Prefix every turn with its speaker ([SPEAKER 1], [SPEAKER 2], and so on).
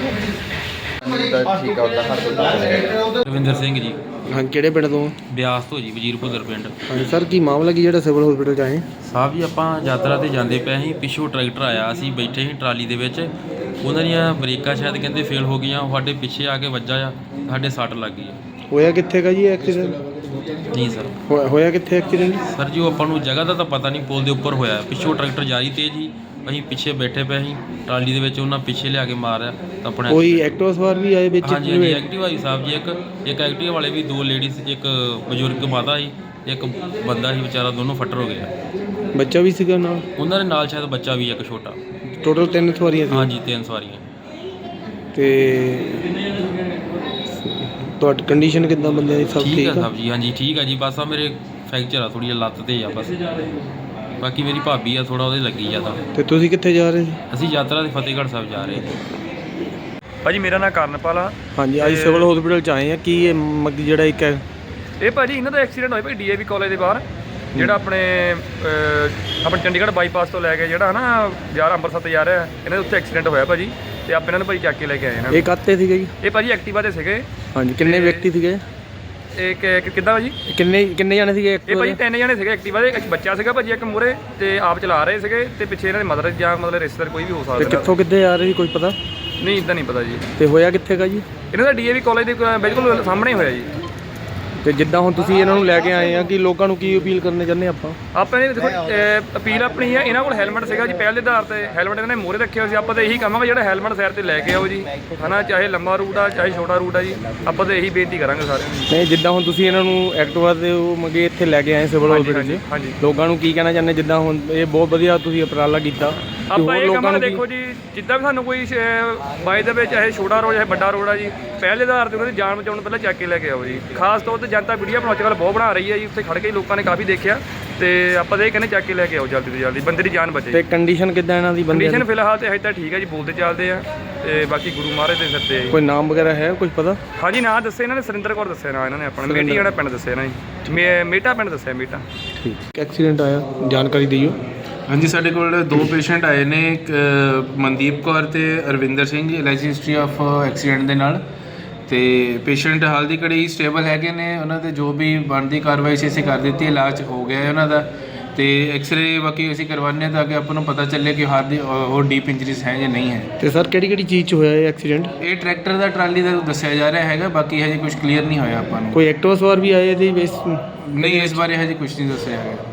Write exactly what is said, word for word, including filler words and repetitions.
[SPEAKER 1] ਠੀਕ ਆ ਉਹਦਾ ਹਰ
[SPEAKER 2] ਰਵਿੰਦਰ ਸਿੰਘ ਜੀ।
[SPEAKER 1] ਹਾਂ, ਕਿਹੜੇ ਪਿੰਡ ਤੋਂ?
[SPEAKER 2] ਬਿਆਸ ਤੋਂ ਜੀ, ਵਜ਼ੀਰਪੁਰ ਪਿੰਡ।
[SPEAKER 1] ਹਾਂਜੀ ਸਰ, ਕੀ ਮਾਮਲਾ ਕੀ ਜਿਹੜਾ ਸਿਵਲ ਹਸਪੀਟਲ 'ਚ ਆਏ?
[SPEAKER 2] ਸਾਹਿਬ ਜੀ, ਆਪਾਂ ਯਾਤਰਾ 'ਤੇ ਜਾਂਦੇ ਪਏ ਸੀ, ਪਿੱਛੋਂ ਟਰੈਕਟਰ ਆਇਆ, ਅਸੀਂ ਬੈਠੇ ਸੀ ਟਰਾਲੀ ਦੇ ਵਿੱਚ। ਉਹਨਾਂ ਦੀਆਂ ਬ੍ਰੇਕਾਂ ਸ਼ਾਇਦ ਕਹਿੰਦੇ ਫੇਲ ਹੋ ਗਈਆਂ, ਸਾਡੇ ਪਿੱਛੇ ਆ ਕੇ ਵੱਜਾ ਆ, ਸਾਡੇ ਸੱਟ ਲੱਗ ਗਈ ਆ।
[SPEAKER 1] ਹੋਇਆ ਕਿੱਥੇ ਗਾ ਜੀ ਐਕਸੀਡੈਂਟ?
[SPEAKER 2] ਨਹੀਂ ਸਰ।
[SPEAKER 1] ਹੋਇਆ ਕਿੱਥੇ ਐਕਸੀਡੈਂਟ?
[SPEAKER 2] ਸਰ ਜੀ, ਉਹ ਆਪਾਂ ਨੂੰ ਜਗ੍ਹਾ ਦਾ ਤਾਂ ਪਤਾ ਨਹੀਂ, ਪੁਲ ਦੇ ਉੱਪਰ ਹੋਇਆ। ਪਿੱਛੋਂ ਟਰੈਕਟਰ ਜਾ ਰਹੀ ਤੇਜ਼ ਜੀ, ਅਸੀਂ ਪਿੱਛੇ ਬੈਠੇ ਪਏ ਸੀ ਟਰਾਲੀ ਦੇ ਵਿੱਚ, ਉਹਨਾਂ ਪਿੱਛੇ ਲਿਆ ਕੇ ਮਾਰਿਆ ਤਾਂ ਆਪਣੇ।
[SPEAKER 1] ਕੋਈ ਐਕਟਿਵਾ ਸਵਾਰ ਵੀ ਆਏ ਵਿੱਚ?
[SPEAKER 2] ਹਾਂਜੀ ਹਾਂਜੀ, ਐਕਟਿਵਾ ਸੀ ਸਾਹਿਬ ਜੀ। ਇੱਕ ਇੱਕ ਐਕਟਿਵਾ ਵਾਲੇ ਵੀ, ਦੋ ਲੇਡੀਜ਼, ਇੱਕ ਬਜ਼ੁਰਗ ਮਾਤਾ ਸੀ, ਇੱਕ ਬੰਦਾ ਸੀ ਵਿਚਾਰਾ, ਦੋਨੋਂ ਫੱਟਰ ਹੋ ਗਿਆ।
[SPEAKER 1] ਬੱਚਾ ਵੀ ਸੀਗਾ ਨਾਲ?
[SPEAKER 2] ਉਹਨਾਂ ਦੇ ਨਾਲ ਸ਼ਾਇਦ ਬੱਚਾ ਵੀ ਇੱਕ ਛੋਟਾ।
[SPEAKER 1] ਟੋਟਲ ਤਿੰਨ ਸਵਾਰੀਆਂ ਸੀ?
[SPEAKER 2] ਹਾਂਜੀ, ਤਿੰਨ ਸਵਾਰੀਆਂ।
[SPEAKER 1] ਤੇ ਤੁਹਾਡੀ ਕੰਡੀਸ਼ਨ ਕਿੱਦਾਂ ਬੰਦਿਆਂ ਦੀ? ਸਭ
[SPEAKER 2] ਠੀਕ ਆ ਸਾਹਿਬ ਜੀ। ਹਾਂਜੀ ਠੀਕ ਆ ਜੀ, ਬਸ ਆ ਮੇਰੇ ਫ੍ਰੈਕਚਰ ਆ ਥੋੜ੍ਹੀ ਜਿਹੀ ਲੱਤ 'ਤੇ ਆ ਬਸ। ਬਾਕੀ ਮੇਰੀ ਭਾਬੀ ਆ, ਥੋੜ੍ਹਾ ਉਹਦੇ ਲੱਗੀ ਜ਼ਿਆਦਾ।
[SPEAKER 1] ਤੇ ਤੁਸੀਂ ਕਿੱਥੇ ਜਾ ਰਹੇ ਸੀ?
[SPEAKER 2] ਅਸੀਂ ਯਾਤਰਾ 'ਤੇ ਫਤਿਹਗੜ੍ਹ ਸਾਹਿਬ ਜਾ ਰਹੇ।
[SPEAKER 3] ਭਾਜੀ ਮੇਰਾ ਨਾਮ ਕਰਨਪਾਲ ਆ।
[SPEAKER 1] ਹਾਂਜੀ, ਅੱਜ ਸਿਵਲ ਹਸਪੀਟਲ 'ਚ ਆਏ ਆ। ਕੀ ਇਹ ਮੱਗੀ ਜਿਹੜਾ ਇੱਕ ਹੈ
[SPEAKER 3] ਇਹ ਭਾਜੀ ਇਹਨਾਂ ਦਾ ਐਕਸੀਡੈਂਟ ਹੋਇਆ ਭਾਈ ਡੀ ਏ ਵੀ ਕਾਲਜ ਦੇ ਬਾਹਰ, ਜਿਹੜਾ ਆਪਣੇ ਆਪਣੇ ਚੰਡੀਗੜ੍ਹ ਬਾਈਪਾਸ ਤੋਂ ਲੈ ਕੇ ਜਿਹੜਾ ਹੈ ਨਾ ਯਾਰ ਅੰਮ੍ਰਿਤਸਰ ਤੇ ਜਾ ਰਿਹਾ, ਇਹਨਾਂ ਦੇ ਉੱਥੇ ਐਕਸੀਡੈਂਟ ਹੋਇਆ ਭਾਜੀ। ਤੇ ਆਪਾਂ ਇਹਨਾਂ ਨੂੰ ਭਾਜੀ ਚੱਕ ਕੇ ਲੈ ਕੇ ਆਏ ਇਹਨਾਂ।
[SPEAKER 1] ਇਹ ਕਾਹਤੇ ਸੀਗੇ ਜੀ?
[SPEAKER 3] ਇਹ ਭਾਜੀ ਐਕਟਿਵਾ 'ਤੇ ਸੀਗੇ।
[SPEAKER 1] ਹਾਂਜੀ, ਕਿੰਨੇ ਵਿਅਕਤੀ ਸੀਗੇ?
[SPEAKER 3] ਇਹ ਕਿੱਦਾਂ ਭਾਜੀ?
[SPEAKER 1] ਕਿੰਨੇ ਕਿੰਨੇ ਜਾਣੇ ਸੀਗੇ?
[SPEAKER 3] ਇਹ ਭਾਜੀ ਤਿੰਨ ਜਣੇ ਸੀਗੇ ਐਕਟਿਵਾ ਦੇ। ਇੱਕ ਬੱਚਾ ਸੀਗਾ ਭਾਜੀ, ਇੱਕ ਮੂਹਰੇ, ਤੇ ਆਪ ਚਲਾ ਰਹੇ ਸੀਗੇ, ਤੇ ਪਿੱਛੇ ਇਹਨਾਂ ਦੇ ਮਦਰ ਜਾਂ ਮਤਲਬ ਰਿਸ਼ਤੇਦਾਰ ਕੋਈ ਵੀ ਹੋ ਸਕਦਾ।
[SPEAKER 1] ਤੇ ਕਿੱਥੋਂ ਕਿੱਥੇ ਆ ਰਹੇ ਸੀ, ਕੋਈ ਪਤਾ
[SPEAKER 3] ਨਹੀਂ? ਇੱਦਾਂ ਨਹੀਂ ਪਤਾ ਜੀ।
[SPEAKER 1] ਤੇ ਹੋਇਆ ਕਿੱਥੇ ਗਾ ਜੀ?
[SPEAKER 3] ਇਹਨਾਂ ਦਾ ਡੀ ਏ ਵੀ ਕਾਲਜ ਦੇ ਬਿਲਕੁਲ ਸਾਹਮਣੇ ਹੋਇਆ ਜੀ।
[SPEAKER 1] ਤੇ ਜਿੱਦਾਂ ਹੁਣ ਤੁਸੀਂ ਇਹਨਾਂ ਨੂੰ ਲੈ ਕੇ ਆਏ ਆ, ਕਿ ਲੋਕਾਂ ਨੂੰ ਕੀ ਅਪੀਲ ਕਰਨੇ ਚਾਹੁੰਦੇ ਆਪਾਂ?
[SPEAKER 3] ਆਪਾਂ ਨੇ ਦੇਖੋ ਅਪੀਲ ਆਪਣੀ ਹੈ, ਇਹਨਾਂ ਕੋਲ ਹੈਲਮਟ ਸੀਗਾ ਜੀ ਪਹਿਲ ਦੇ ਆਧਾਰ ਤੇ, ਹੈਲਮਟ ਇਹਨਾਂ ਨੇ ਮੋਹਰੇ ਰੱਖਿਆ ਸੀ। ਆਪਾਂ ਤਾਂ ਇਹੀ ਕਹਾਂਗੇ ਜਿਹੜਾ ਹੈਲਮਟ ਸਾਈਡ ਤੇ ਲੈ ਕੇ ਆਓ ਜੀ, ਹਨਾ, ਚਾਹੇ ਲੰਬਾ ਰੂਟ ਆ ਚਾਹੇ ਛੋਟਾ ਰੂਟ ਆ ਜੀ। ਆਪਾਂ ਤਾਂ ਇਹੀ ਬੇਨਤੀ ਕਰਾਂਗੇ ਸਾਰਿਆਂ ਨੂੰ।
[SPEAKER 1] ਨਹੀਂ, ਜਿੱਦਾਂ ਹੁਣ ਤੁਸੀਂ ਇਹਨਾਂ ਨੂੰ ਐਕਟਿਵਾ ਤੇ ਉਹ ਮੰਗੇ ਇੱਥੇ ਲੈ ਕੇ ਆਏ ਸਿਵਲ ਹਸਪੀਟਲ 'ਚ,
[SPEAKER 3] ਹਾਂਜੀ,
[SPEAKER 1] ਲੋਕਾਂ ਨੂੰ ਕੀ ਕਹਿਣਾ ਚਾਹੁੰਦੇ? ਜਿੱਦਾਂ ਹੁਣ ਇਹ ਬਹੁਤ ਵਧੀਆ ਤੁਸੀਂ ਉਪਰਾਲਾ ਕੀਤਾ,
[SPEAKER 3] ਆਪਾਂ ਇਹ ਕਹਾਂਗੇ ਦੇਖੋ ਜੀ, ਜਿੱਦਾਂ ਵੀ ਸਾਨੂੰ ਕੋਈ ਬਾਈ ਦੇ ਵਿੱਚ ਚਾਹੇ ਛੋਟਾ ਰੋਡ ਚਾਹੇ ਵੱਡਾ ਰੋਡ ਆ ਜੀ, ਪਹਿਲੇ ਆਧਾਰ ਤੇ ਉਹਨਾਂ ਦੀ ਜਾਨ ਬਚਾਉਣ ਪਹਿਲਾਂ ਚੱਕ ਕੇ ਲੈ ਕੇ ਆਓ ਜੀ। ਖਾਸ ਤੌਰ ਤੇ ਜਨਤਾ ਵੀਡੀਓ ਬਣਾਉਣ ਅੱਜ ਕੱਲ੍ਹ ਬਹੁਤ ਬਣਾ ਰਹੀ ਹੈ ਜੀ, ਉੱਥੇ ਖੜ ਕੇ ਲੋਕਾਂ ਨੇ ਕਾਫੀ ਦੇਖਿਆ, ਤੇ ਆਪਾਂ ਤਾਂ ਇਹ ਕਹਿੰਦੇ ਚੱਕ ਕੇ ਲੈ ਕੇ ਆਓ ਜਲਦੀ ਤੋਂ ਜਲਦੀ, ਬੰਦੇ ਦੀ ਜਾਨ ਬਚੇ।
[SPEAKER 1] ਤੇ ਕੰਡੀਸ਼ਨ ਕਿੱਦਾਂ ਇਹਨਾਂ ਦੀ? ਬੰਦੇ
[SPEAKER 3] ਕੰਡੀਸ਼ਨ ਫਿਲਹਾਲ ਤੇ ਹਜੇ ਤਾਂ ਠੀਕ ਹੈ ਜੀ, ਬੋਲਦੇ ਚੱਲਦੇ ਆ, ਤੇ ਬਾਕੀ ਗੁਰੂ ਮਹਾਰਾਜ ਦੇ ਸਿਰ ਤੇ।
[SPEAKER 1] ਕੋਈ ਨਾਮ ਵਗੈਰਾ ਹੈ ਕੁਝ ਪਤਾ?
[SPEAKER 3] ਹਾਂਜੀ, ਨਾਂ ਦੱਸੇ ਇਹਨਾਂ ਨੇ, ਸੁਰਿੰਦਰ ਕੌਰ ਦੱਸਿਆ ਨਾਂ ਇਹਨਾਂ ਨੇ ਆਪਣਾ, ਮੇਟੀ ਜਿਹੜਾ ਪਿੰਡ ਦੱਸਿਆ ਇਹਨਾਂ ਜੀ, ਮੇ ਮੇਟਾ ਪਿੰਡ ਦੱਸਿਆ, ਮੇਟਾ।
[SPEAKER 1] ਠੀਕ। ਐਕਸੀਡੈਂਟ ਆਇਆ, ਜਾਣਕਾਰੀ ਦਿਓ।
[SPEAKER 4] ਹਾਂਜੀ, ਸਾਡੇ ਕੋਲ ਦੋ ਪੇਸ਼ੈਂਟ ਆਏ ਨੇ, ਇੱਕ ਮਨਦੀਪ ਕੌਰ ਤੇ Arvinder Singh, L I C history of accident ਦੇ ਨਾਲ। ਤੇ ਪੇਸ਼ੈਂਟ ਹਾਲ ਦੀ ਘੜੀ ਸਟੇਬਲ ਹੈਗੇ ਨੇ, ਉਹਨਾਂ ਦੇ ਜੋ ਵੀ ਬਣਦੀ ਕਾਰਵਾਈ ਸੀ ਅਸੀਂ ਕਰ ਦਿੱਤੀ, ਇਲਾਜ ਹੋ ਗਿਆ ਹੈ ਉਹਨਾਂ ਦਾ। ਤੇ ਐਕਸਰੇ ਬਾਕੀ ਅਸੀਂ ਕਰਵਾਉਂਦੇ ਤਾਂ ਕਿ ਆਪਾਂ ਨੂੰ ਪਤਾ ਚੱਲੇ ਕਿ ਹਾਰ ਦੀ ਹੋਰ ਡੀਪ ਇੰਜਰੀਜ਼ ਹੈ ਜਾਂ ਨਹੀਂ ਹੈ।
[SPEAKER 1] ਤੇ ਸਰ ਕਿਹੜੀ ਕਿਹੜੀ ਚੀਜ਼ 'ਚ ਹੋਇਆ ਇਹ ਐਕਸੀਡੈਂਟ?
[SPEAKER 4] ਇਹ ਟਰੈਕਟਰ ਦਾ ਟਰਾਲੀ ਦਾ ਦੱਸਿਆ ਜਾ ਰਿਹਾ ਹੈਗਾ, ਬਾਕੀ ਹਜੇ ਕੁਝ ਕਲੀਅਰ ਨਹੀਂ ਹੋਇਆ ਆਪਾਂ ਨੂੰ।
[SPEAKER 1] ਕੋਈ ਐਕਟਿਵਾ ਸਵਾਰ ਵੀ ਆਏ ਇਹਦੇ ਵਿੱਚ?
[SPEAKER 4] ਨਹੀਂ, ਇਸ ਬਾਰੇ ਹਜੇ ਕੁਝ ਨਹੀਂ ਦੱਸਿਆ ਹੈਗਾ।